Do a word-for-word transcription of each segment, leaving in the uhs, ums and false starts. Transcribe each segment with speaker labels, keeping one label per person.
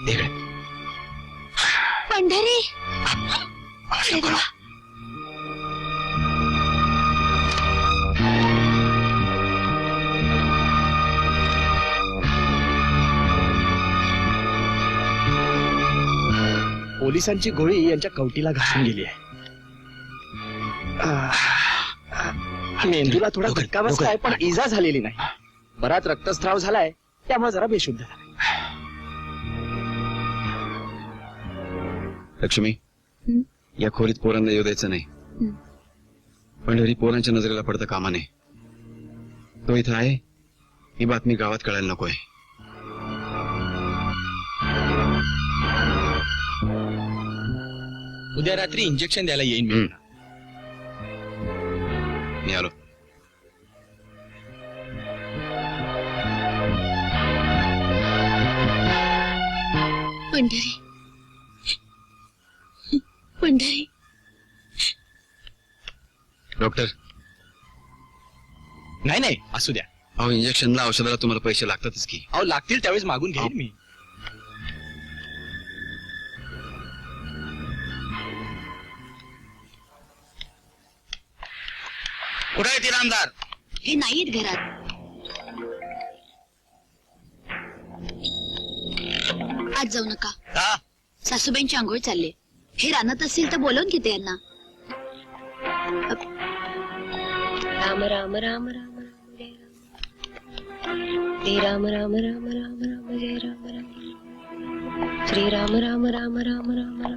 Speaker 1: इकडे.
Speaker 2: पंढरी.
Speaker 1: अरे देवा.
Speaker 3: पोलिसांची गोळी यांच्या कवटीला घासून गेली आहे. मेंदूला थोडा धक्का बसलाय पण इजा झालेली नाही. बराच रक्तस्राव झालाय त्यामुळे जरा बेशुद्ध झाला.
Speaker 1: लक्ष्मी, या खोलीत पोरांना येऊ द्यायचं नाही. पंढरी पोरांच्या नजरेला पडतं कामा नये. तो इथं आहे ही बातमी गावात कळायला नकोय.
Speaker 3: उद्या रात्री इंजेक्शन द्यायला येईन मी.
Speaker 1: मी आलो.
Speaker 2: पंढरी. पंढरी.
Speaker 1: डॉक्टर.
Speaker 3: नाही नाही असू द्या.
Speaker 1: अहो इंजेक्शनला औषधाला तुम्हाला पैसे लागतातच की.
Speaker 3: अहो लागतील त्यावेळेस मागून घेईन मी.
Speaker 1: कुठे आहे ती रामदार?
Speaker 2: हे नाहीत घरात. आज जाऊ नका.
Speaker 1: का?
Speaker 2: सासूबाईंची आंघोळ चालले. हे रानात असतील तर बोलवून घेते यांना.
Speaker 4: राम राम राम राम राम जय राम. श्री राम राम राम राम राम जय राम राम. श्री राम राम राम राम राम राम.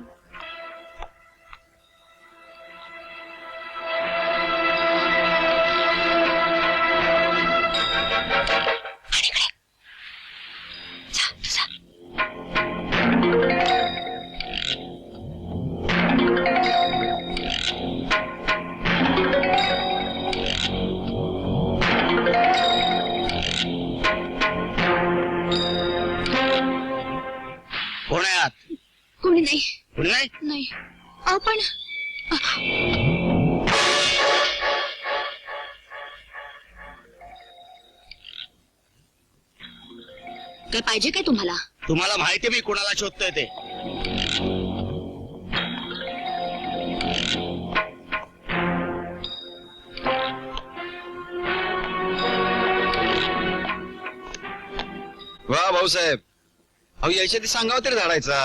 Speaker 1: कोण आहे आत?
Speaker 2: कोणी नाही.
Speaker 1: कोणी नाही?
Speaker 2: नाही. अहो पण काय पाहिजे काय तुम्हाला?
Speaker 1: तुम्हाला माहिती मी कोणाला शोधतोय ते. वा भाऊसाहेब, अहो यायच्या ती सांगावं तरी झाडायचा.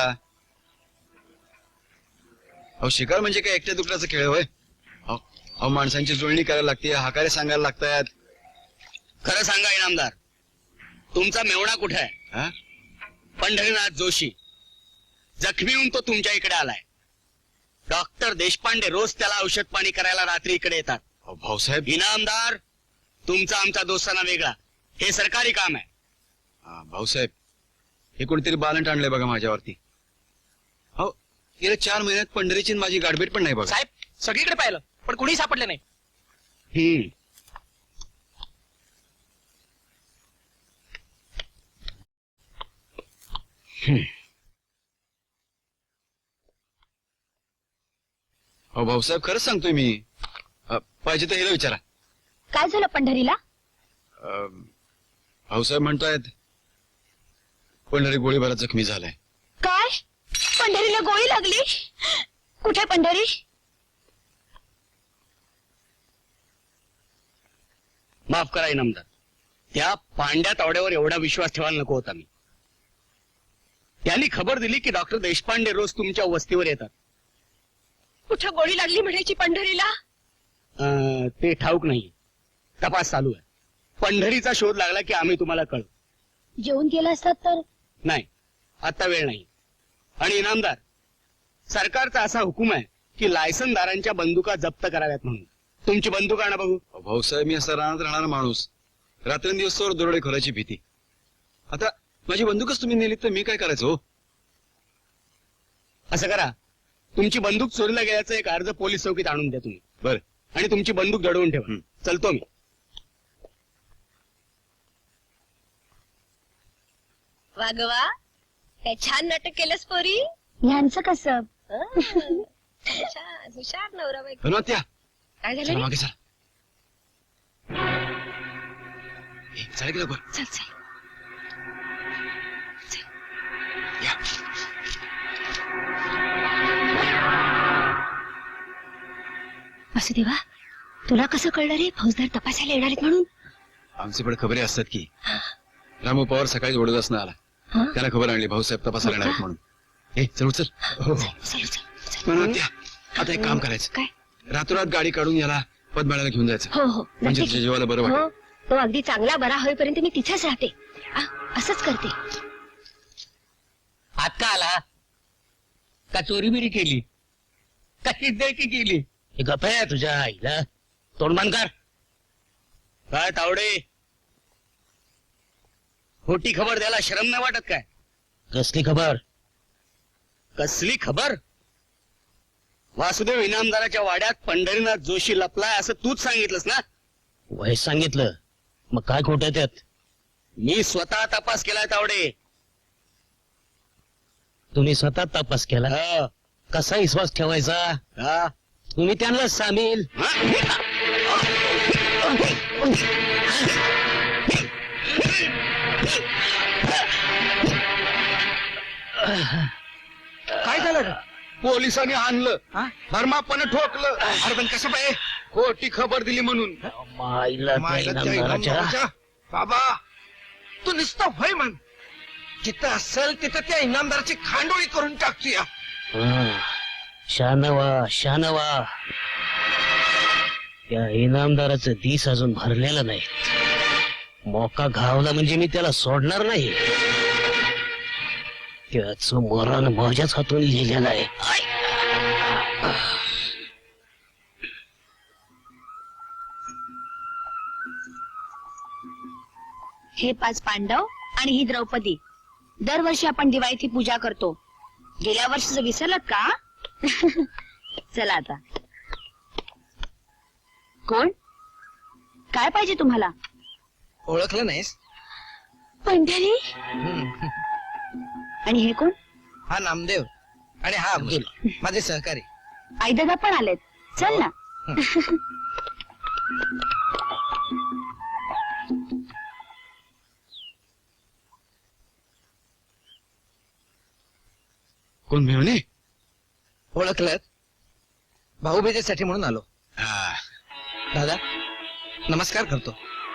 Speaker 1: अहो शिकार म्हणजे काय एकट्या दुकड्याचा खेळ होय? अहो माणसांची जुळणी करायला लागते, हाकारे सांगायला लागतात.
Speaker 5: खरं सांगा इनामदार, तुमचा मेवणा कुठे आहे? पंढरीनाथ जोशी जखमी होऊन तो तुमच्या इकडे आलाय. डॉक्टर देशपांडे रोज त्याला औषध पाणी करायला रात्री इकडे येतात.
Speaker 1: अहो भाऊसाहेब.
Speaker 5: इनामदार, तुमचा आमचा दोस्ताना वेगळा. हे सरकारी काम आहे.
Speaker 1: हा, भाऊसाहेब हे कोणीतरी बालंट आणलंय बघा माझ्यावरती. हो गेल्या चार महिन्यात पंढरीची माझी गाठभेट पण नाही बघा.
Speaker 3: साहेब सगळीकडे पाहिलं पण कुणी सापडले नाही.
Speaker 5: हम्म
Speaker 1: अहो भाऊसाहेब खरंच सांगतोय मी. अ, पाहिजे तर हिला विचारा.
Speaker 2: काय झालं पंढरीला?
Speaker 1: अ, भाऊसाहेब म्हणतायत पंढरी गोळीबारात जखमी झालाय.
Speaker 2: काय? पंढरीला गोळी लागली? कुठे पंढरी?
Speaker 5: माफ करा इनामदार, त्या पांड्या तावड्यावर एवढा विश्वास ठेवायला नको होता मी. त्यांनी खबर दिली की डॉक्टर देशपांडे रोज तुमच्या वस्तीवर येतात.
Speaker 4: कुठं गोळी लागली म्हणायची पंढरीला?
Speaker 5: अं, ते ठाऊक नाही. तपास चालू आहे. पंढरीचा शोध लागला की आम्ही तुम्हाला कळू.
Speaker 2: जेवून गेला असतात तर?
Speaker 5: नाही, आता वेळ नाही. आणि इनामदार, सरकारचा असा हुकूम आहे की लायसनदारांच्या बंदुका जप्त कराव्यात म्हणून. तुमची बंदूक आणा बघू.
Speaker 1: अहो, भाऊसाहेब मी असा रानात राहणारा माणूस, रात्रंदिवसावर दरोडे खोराची भीती. आता माझी बंदूकच तुम्ही नेली तर मी काय करायचं हो?
Speaker 5: असं करा, तुमची बंदूक चोरीला गेल्याचा एक अर्ज पोलीस चौकीत आणून द्या तुम्ही.
Speaker 1: बर.
Speaker 5: आणि तुमची बंदूक दडवून ठेवा. चलतो मी.
Speaker 4: वागवा, काय छान नाटक केलंस पोरी.
Speaker 2: ह्यांचं कसं?
Speaker 4: छान, हुशार नवरा बायको.
Speaker 1: धन्वंत्या
Speaker 4: काय
Speaker 1: चला
Speaker 4: झालं रे?
Speaker 1: मागे चला. ए, चला की लवकर.
Speaker 2: चल चल.
Speaker 1: या.
Speaker 2: वासुदेवा तुला कसं कळलं रे फौजदार तपासायला येणार आहेत म्हणून?
Speaker 1: आमचे पण खबरी असतात की रामू पवार सकाळी ओढत आला
Speaker 2: हा?
Speaker 1: त्याला खबर आणली भाऊसाहेब तपासायला येणार आहेत म्हणून. ए चल उचल.
Speaker 2: चल, चल, चल, चल.
Speaker 1: म्हणून त्या आता एक काम करायचं
Speaker 2: काय?
Speaker 1: रातोरात गाडी काढून याला पद्माळ्याला घेऊन जायचं
Speaker 2: हो हो
Speaker 1: म्हणजे
Speaker 2: नक्की.
Speaker 1: तुझ्या जीवाला बरं
Speaker 2: हो
Speaker 1: वाटेल.
Speaker 2: तो अगदी चांगला बरा होईपर्यंत मी तिथेच राहते. आ, असंच करते.
Speaker 5: हात का आला का चोरी बिरी केली का सिद्धकी केली? हे गप आहे तुझ्या आईला तोंड बंद कर. काय तावडे खोटी खबर द्यायला शरम नाही वाटत काय? कसली खबर? कसली खबर? वासुदेव इनामदाराच्या वाड्यात पंढरीनाथ जोशी लपलाय असं तूच सांगितलंस ना?
Speaker 3: वय सांगितलं मग काय खोट आहे त्यात?
Speaker 5: मी स्वतः तपास केलाय तावडे.
Speaker 3: तुम्ही स्वतः तपास केला?
Speaker 5: हा.
Speaker 3: कसा विश्वास ठेवायचा?
Speaker 5: हा.
Speaker 3: तुम्ही त्यांना सामील.
Speaker 5: काय झालं? पोलिसांनी आणलं धर्मापणे ठोकलं. अरे पण कसं पाहिजे खोटी खबर दिली म्हणून.
Speaker 3: माईला त्या इनामदाराच्या.
Speaker 6: बाबा तू नुसतं भय म्हण जिथं असेल तिथं त्या इनामदाराची खांडोळी करून टाकतोया.
Speaker 3: हं. शानवा शानवा त्या इनामदाराचं दिस अजून भरलेलं नाही. मोका घावला म्हणजे मी त्याला सोडणार नाही. त्याचं मरण माझ्याच हातून लिहिलेलं आहे.
Speaker 2: हे पाच पांडव आणि ही द्रौपदी दरवर्षी आपण दिवाळीत ही पूजा करतो. गेल्या वर्षीच विसरलात का? चला आता. कोण? काय पाहिजे तुम्हाला?
Speaker 6: ओळखलं नाहीस?
Speaker 2: पंढरी. आणि हे कोण?
Speaker 6: हा नामदेव आणि हा अब्दुल माझे सहकारी.
Speaker 2: आई दादा पण आलेत. चल ना.
Speaker 1: कोण मिळवणे?
Speaker 6: ओळखलं? भाऊबीजेसाठी म्हणून आलो.
Speaker 1: हा.
Speaker 6: दादा नमस्कार करतो.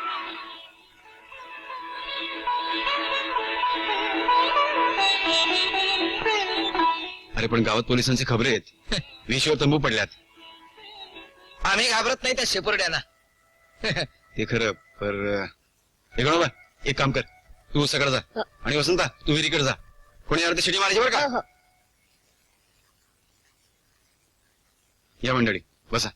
Speaker 1: अरे पण गावात पोलिसांचे खबरी आहेत विषयावर तंबू पडल्यात.
Speaker 6: आम्ही घाबरत नाही त्या शेपुरड्यांना.
Speaker 1: ते खरं पर हे गणोबा एक काम कर तू सगळं जा आणि वसंता तू विहिरीकडे जा. कोणी अर्धी शिडी मारायची बरं का? या मंडळी बसा.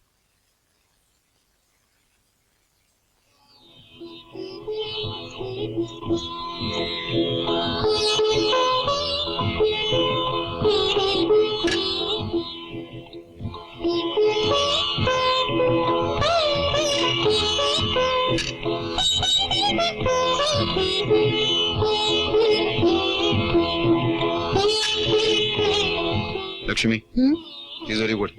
Speaker 1: लक्ष्मी तिजोरी उघड.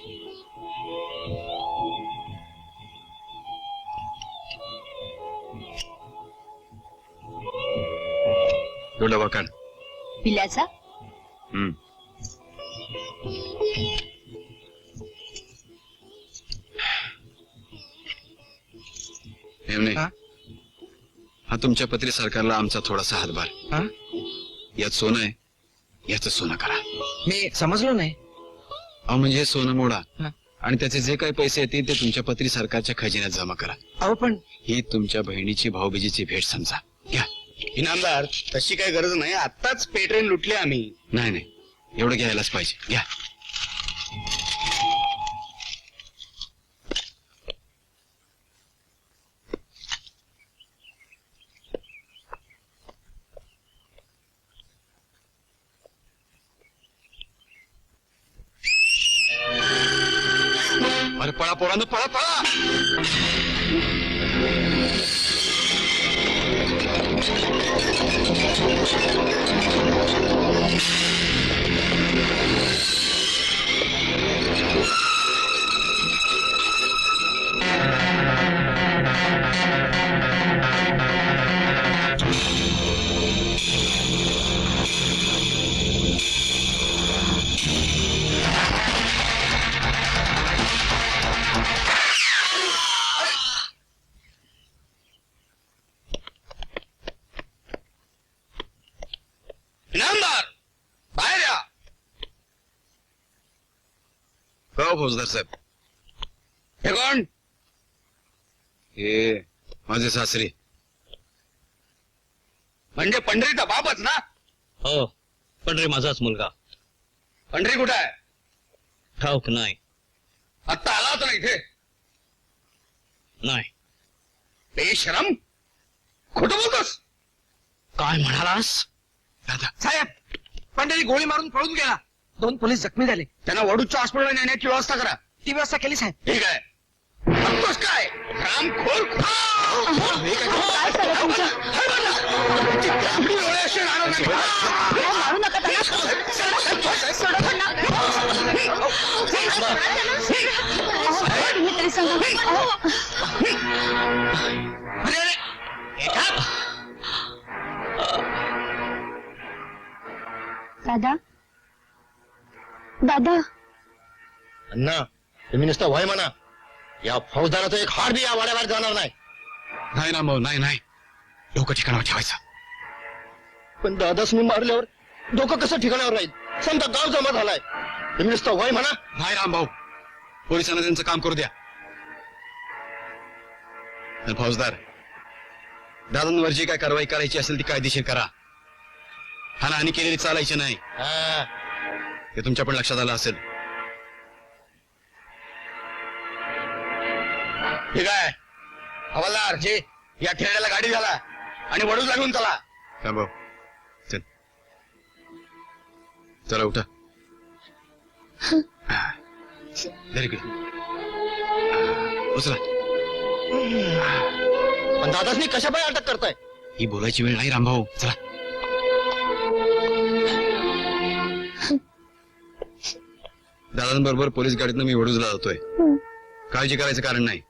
Speaker 1: तो डबा काढ.
Speaker 2: पिल्याचा?
Speaker 1: हम्म. हेमने,
Speaker 6: हा?
Speaker 1: हा तुमच्या पत्री सरकारला आमचा थोडासा हातभार.
Speaker 6: हा?
Speaker 1: यात सोनं आहे याचं सोनं करा.
Speaker 6: मी समजलो नाही.
Speaker 1: अहो म्हणजे हे सोनं मोडा
Speaker 6: हा?
Speaker 1: आणि त्याचे जे काही पैसे येतील ते तुमच्या पत्री सरकारच्या खजिन्यात जमा करा.
Speaker 6: अहो पण
Speaker 1: ही तुमच्या बहिणीची भाऊबीजेची भेट समजा. घ्या.
Speaker 5: इनामदार तशी काही गरज नाही. आत्ताच पेट्रेन लुटले आम्ही.
Speaker 1: नाही नाही एवढं घ्यायलाच पाहिजे. घ्या. अरे पळा पोरांनो पळा पळा. फौजदार साहेब.
Speaker 5: हे कोण?
Speaker 1: हे माझे सासरे.
Speaker 5: म्हणजे पंढरीचा बापच ना?
Speaker 7: हो पंढरी माझाच मुलगा.
Speaker 5: पंढरी कुठे आहे?
Speaker 7: ठाऊक नाही.
Speaker 5: आत्ता आला होता ना इथे?
Speaker 7: नाही.
Speaker 5: बेशरम, खोटं बोलतोस?
Speaker 7: काय म्हणालास?
Speaker 1: दादा
Speaker 6: साहेब, पंढरी गोळी मारून पळून गेला. दोन पोलीस जखमी झाले.
Speaker 5: त्यांना वडूच्या हॉस्पिटलला नेण्याची व्यवस्था करा.
Speaker 6: ती व्यवस्था केली साहेब.
Speaker 5: ठीक आहे. बघतोस काय रामखोर?
Speaker 2: काय चाललं तुमचं?
Speaker 5: आपली डोळे असे राहणार नाही.
Speaker 2: अहो, मारू नका त्यांना. सोडा पण ना. अहो, तुम्ही तरी सांगा. अहो.
Speaker 5: अरे अरे हे थांब.
Speaker 2: दादा दादा
Speaker 3: अण्णा तुम्ही नुसतं वय म्हणा. या फौजदाराचं एक हाड बी या वाड्याबाहेर जाणार नाही.
Speaker 1: नाही ना भाऊ, नाही नाही. डोकं ठिकाणावर ठेवायचं.
Speaker 3: पण दादासनी मारल्यावर डोकं कसं ठिकाणावर राहील? समजा गाव जमा झालाय. तुम्ही नुसतं वय म्हणा.
Speaker 1: नाही राम भाऊ, पोलिसांना त्यांचं काम करू द्या. आणि फौजदार, दादांवर जी काय कारवाई करायची असेल ती कायदेशीर करा. हानी केलेली चालायची नाही.
Speaker 3: हा.
Speaker 1: हे तुमच्या पण लक्षात आलं असेल.
Speaker 5: ठीक आहे हवालदार जे या खेळण्याला गाडी झाला आणि वडूच लागून चला.
Speaker 1: राम भाऊ चल, चला उठा. Very good. उचला.
Speaker 3: पण दादासनी कशा पाय अटक करताय?
Speaker 1: ही बोलायची वेळ नाही रामभाऊ. चला. दादांबरोबर पोलीस गाडीतनं मी वडूजला जातोय. काळजी करायचं कारण नाही.